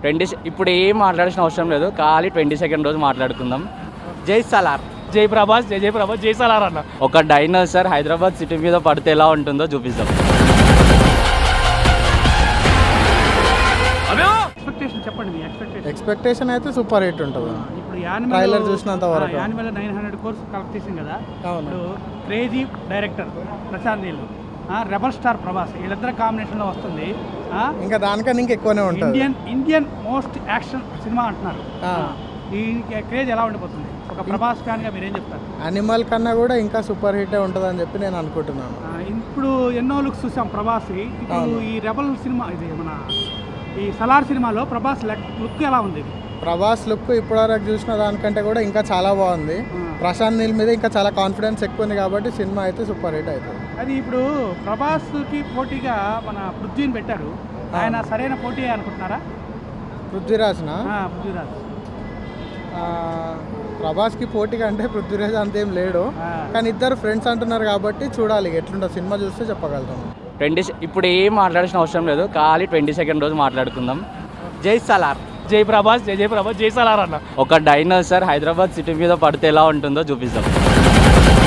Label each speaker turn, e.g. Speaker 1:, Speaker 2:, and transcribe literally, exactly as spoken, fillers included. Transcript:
Speaker 1: Twenty ఇప్పుడు ఏం మాట్లాడాల్సిన అవసరం లేదు, ఖాళీ ట్వంటీ సెకండ్ రోజు మాట్లాడుకుందాం. జై సలార్,
Speaker 2: జై ప్రభాస్, జై జై ప్రభాస్, జై సలార్ అన్న.
Speaker 1: ఒక డైనోసార్ హైదరాబాద్ సిటీ మీద పడితే ఎలా ఉంటుందో చూపిస్తాం.
Speaker 2: ఎక్స్పెక్టేషన్ చెప్పండి, మీ ఎక్స్పెక్టేషన్.
Speaker 3: ఎక్స్పెక్టేషన్ అయితే సూపర్ హిట్ ఉంటుంది.
Speaker 2: ఇప్పుడు
Speaker 3: ట్రైలర్ చూసినంత వరకు
Speaker 2: Animal nine hundred crores collect చేసింది కదా.
Speaker 3: అవును.
Speaker 2: ఇప్పుడు క్రేజీ డైరెక్టర్ ప్రశాంత్ నీళ్ళు, రెబల్ స్టార్ ప్రభాస్, వీళ్ళిద్దరు కాంబినేషన్లో వస్తుంది.
Speaker 3: ఇంకా దానికన్నా ఇంకా ఎక్కువనే ఉంటుంది.
Speaker 2: Indian Indian most action cinema అంటున్నారు. ఈ క్రేజ్ ఎలా ఉండిపోతుంది? ఒక ప్రభాస్ ఫ్యాన్గా మీరేం చెప్తారు?
Speaker 3: యానిమల్ కన్నా కూడా ఇంకా సూపర్ హిట్ ఉంటుంది అని చెప్పి నేను అనుకుంటున్నాను.
Speaker 2: ఇప్పుడు ఎన్నో లుక్స్ చూసాం ప్రభాస్. ఇప్పుడు ఈ రెబల్ సినిమా, ఇది మన ఈ సలార్ సినిమాలో ప్రభాస్ లుక్ ఎలా ఉంది?
Speaker 3: ప్రభాస్ లుక్ ఇప్పటివరకు చూసిన దానికంటే కూడా ఇంకా చాలా బాగుంది. ప్రశాంత్ నీల్ మీద ఇంకా చాలా కాన్ఫిడెన్స్ ఎక్కువ ఉంది కాబట్టి సినిమా అయితే సూపర్ హిట్ అవుతుంది.
Speaker 2: అది ఇప్పుడు ప్రభాస్కి పోటీగా మన పృథ్వీని పెట్టారు, ఆయన సరైన పోటీ అనుకుంటున్నారా?
Speaker 3: పృథ్వీరాజ్న
Speaker 2: పృథ్వీరాజ్
Speaker 3: ప్రభాస్కి పోటీగా అంటే పృథ్వీరాజ్ అంతేం లేడు, కానీ ఇద్దరు ఫ్రెండ్స్ అంటున్నారు కాబట్టి చూడాలి ఎట్లుంటుంది సినిమా చూస్తే చెప్పగలుగుతాము.
Speaker 1: ట్వంటీ ఇప్పుడు ఏం మాట్లాడాల్సిన అవసరం లేదు, ఖాళీ ట్వంటీ సెకండ్ రోజు మాట్లాడుకుందాం. జై సలార్,
Speaker 2: జై ప్రభాస్, జై జై ప్రభాస్, జై సలార్ అన్న.
Speaker 1: ఒక డైనోసార్ హైదరాబాద్ సిటీ మీద పడితే ఎలా ఉంటుందో చూపిస్తాం.